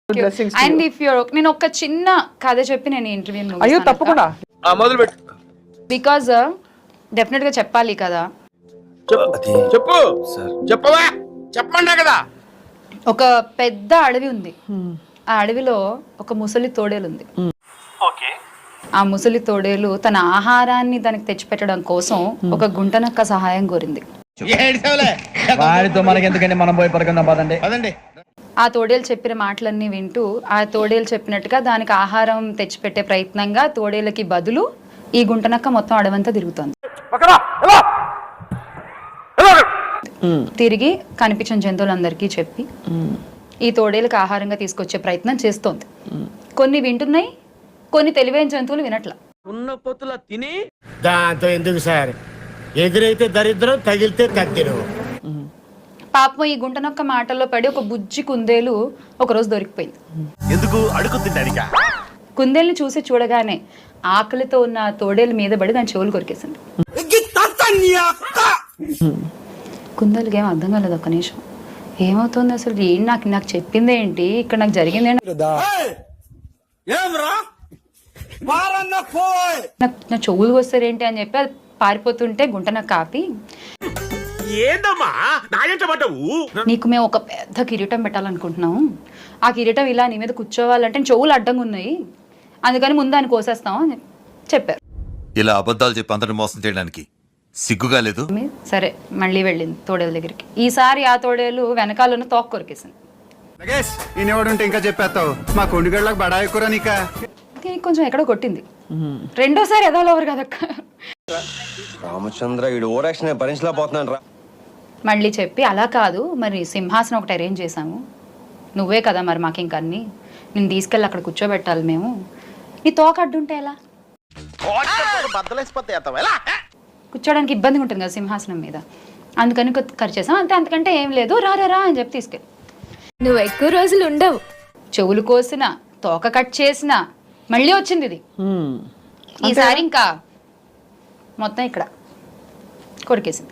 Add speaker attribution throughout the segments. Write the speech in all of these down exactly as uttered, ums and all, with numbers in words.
Speaker 1: And if you're నేను ఒక చిన్న కథ చెప్పి నేను ఇంటర్వ్యూ
Speaker 2: అయ్యో తప్పకుండా
Speaker 3: మొదలు పెట్టు.
Speaker 1: బికాజ్ డెఫినెట్ గా చెప్పాలి కదా.
Speaker 3: చెప్పు చెప్పవా చెప్పండా కదా.
Speaker 1: ఒక పెద్ద అడవి ఉంది. ఆ అడవిలో ఒక ముసలి తోడేలు ఉంది. ఆ ముసలి తోడేలు తన ఆహారాన్ని దానికి తెచ్చిపెట్టడం కోసం ఒక గుంటనక్క సహాయం కోరింది.
Speaker 2: వాడితో మనకి ఎందుకంటే మనం పోయి పడుకుందాం పదండి
Speaker 3: పదండి.
Speaker 1: ఆ తోడేలు చెప్పిన మాటలన్నీ వింటూ ఆ తోడేలు చెప్పినట్టుగా దానికి ఆహారం తెచ్చిపెట్టే ప్రయత్నంగా తోడేలకి బదులు ఈ గుంటనక్క మొత్తం అడవంతా తిరుగుతోంది. తిరిగి కనిపించిన జంతువులందరికీ చెప్పి ఈ తోడేలకు ఆహారంగా తీసుకొచ్చే ప్రయత్నం చేస్తోంది. కొన్ని వింటున్నాయి, కొన్ని తెలివైన జంతువులు వినట్ల.
Speaker 3: ఉన్న పొత్తుల తిని
Speaker 4: దాంతో ఎందుకు సార్, ఎదురైతే దరిద్రం తగిలితే కత్తిరు.
Speaker 1: పాపం ఈ గుంటనొక్క మాటల్లో పడి ఒక బుజ్జి కుందేలు ఒకరోజు దొరికిపోయింది.
Speaker 4: ఎందుకు అడుగు తింటానిక?
Speaker 1: కుందేలుని చూసి చూడగానే ఆకలితో ఉన్న ఆ తోడేలు మీద పడి దాని చెవులు కొరికేసింది. కుందేలుకి ఏం అర్థం కాలేదు. ఒక్క నిమిషం, ఏమవుతుంది అసలు, ఏం నాకు నాకు చెప్పింది ఏంటి, ఇక్కడ నాకు జరిగింది ఏంటి, నా చెవులు వస్తారేంటి అని చెప్పి అది పారిపోతుంటే గుంటనక్క ఆపి,
Speaker 4: ఏందమ్మా నాయంటబడ్డావు?
Speaker 1: నీకు మేము ఒక పెద్ద కిరీటం పెట్టాలనుకుంటున్నాము. ఆ కిరీటం ఇలా నీ మీద కూర్చోవాలంటే చెవులు అడ్డంగా ఉన్నాయి, అందుకని ముందు దాన్ని కోసేస్తాం అని చెప్పారు.
Speaker 5: ఇలా అబద్ధాలు చెప్పి అందరిని మోసం చేయడానికి సిగ్గుగా లేదు?
Speaker 1: సరే మళ్ళీ వెళ్ళింది తోడేలు దగ్గరికి. ఈసారి ఆ తోడేలు వెనకాలను తోక కొరికేసింది.
Speaker 6: ఈయనెవడుంటే ఇంకా చెప్పేస్తావు, మా కొండిగళ్ళకి బడాయి కూర నీక.
Speaker 1: కొంచెం ఎక్కడో కొట్టింది. రెండోసారి ఎదవలవరు కదక్క.
Speaker 7: రామచంద్ర వీడు ఓరాక్షన్ భరించలేకపోతున్నాను రా.
Speaker 1: మళ్ళీ చెప్పి, అలా కాదు మరి సింహాసనం ఒకటి అరేంజ్ చేశాము, నువ్వే కదా మరి మాకు ఇంక అన్ని, నేను తీసుకెళ్ళి అక్కడ కూర్చోబెట్టాలి మేము, నీ తోక అడ్డుంటే ఎలా, కూర్చోడానికి ఇబ్బందిగా ఉంటుంది కదా సింహాసనం మీద, అందుకని ఖర్చు చేసాం అంతే, అంతకంటే ఏం లేదు, రా రా అని చెప్పి తీసుకెళ్ళి.
Speaker 8: నువ్వు ఎక్కువ రోజులు ఉండవు.
Speaker 1: చెవులు కోసిన, తోక కట్ చేసిన, మళ్ళీ వచ్చింది ఇది. ఈసారి ఇంకా మొత్తం ఇక్కడ కొరికేసింది.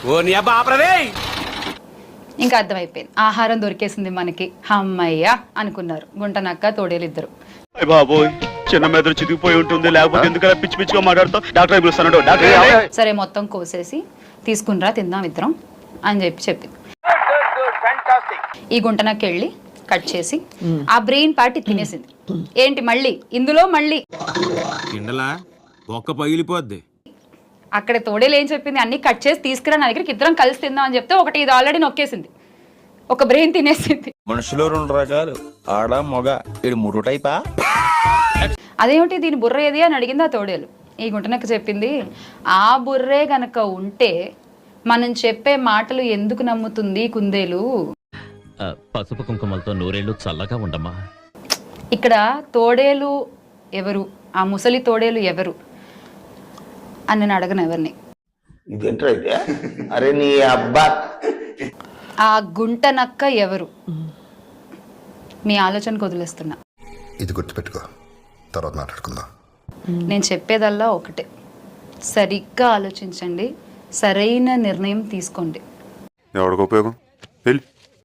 Speaker 1: ఇంకా అర్థమైపోయింది, ఆహారం దొరికేసింది మనకి, అమ్మయ్య అనుకున్నారు గుంటనక్క తోడేలు ఇద్దరు.
Speaker 9: బాబోయ్ చిన్న మెదడు చితికిపోయి ఉంటుంది, లేకపోతే ఎందుకలా పిచ్చి పిచ్చిగా మాట్లాడుతావు, డాక్టర్ పిలుస్తాను డాక్టర్.
Speaker 1: సరే మొత్తం కోసేసి తీసుకునిరా తిందాం ఇద్దరం అని చెప్పి చెప్పింది. ఈ గుంటనక్క వెళ్ళి కట్ చేసి ఆ బ్రెయిన్ పార్ట్ తినేసింది. ఏంటి మళ్ళీ ఇందులో మళ్ళీ
Speaker 4: ఒక్క పగిలిపోద్ది.
Speaker 1: అక్కడ తోడేలు ఏం చెప్పింది, అన్ని కట్ చేసి తీసుకురా నా దగ్గరికి, ఇద్దరం కలిసి తిందాం అని చెప్తే ఒకటి ఇది ఆల్రెడీ నొక్కేసింది, ఒక బ్రెయిన్ తినేసింది.
Speaker 7: మనుషులు రెండు రకాలు, ఆడ మొగ, ఇది మూడు టైపా?
Speaker 1: అదేమిటి దీని బుర్ర ఏది అని అడిగింది ఆ తోడేలు. ఈ గుంటనక్క చెప్పింది, ఆ బుర్రే గనక ఉంటే మనం చెప్పే మాటలు ఎందుకు నమ్ముతుంది కుందేలు.
Speaker 10: పసుపు కుంకుమలతో నూరేళ్లు చల్లగా ఉండమ్మా.
Speaker 1: ఇక్కడ తోడేలు ఎవరు, ఆ ముసలి తోడేలు ఎవరు అని నేను అడగను ఎవరిని.
Speaker 7: అరే నీ అబ్బా,
Speaker 1: ఆ గుంటనక్క ఎవరు, మీ ఆలోచనకు వదిలేస్తున్నా.
Speaker 5: ఇది గుర్తుపెట్టుకో, తర్వాత మాట్లాడుకుందాం.
Speaker 1: నేను చెప్పేదల్లా ఒకటే, సరిగ్గా ఆలోచించండి, సరైన నిర్ణయం తీసుకోండి.
Speaker 9: ఎవరికి ఉపయోగం?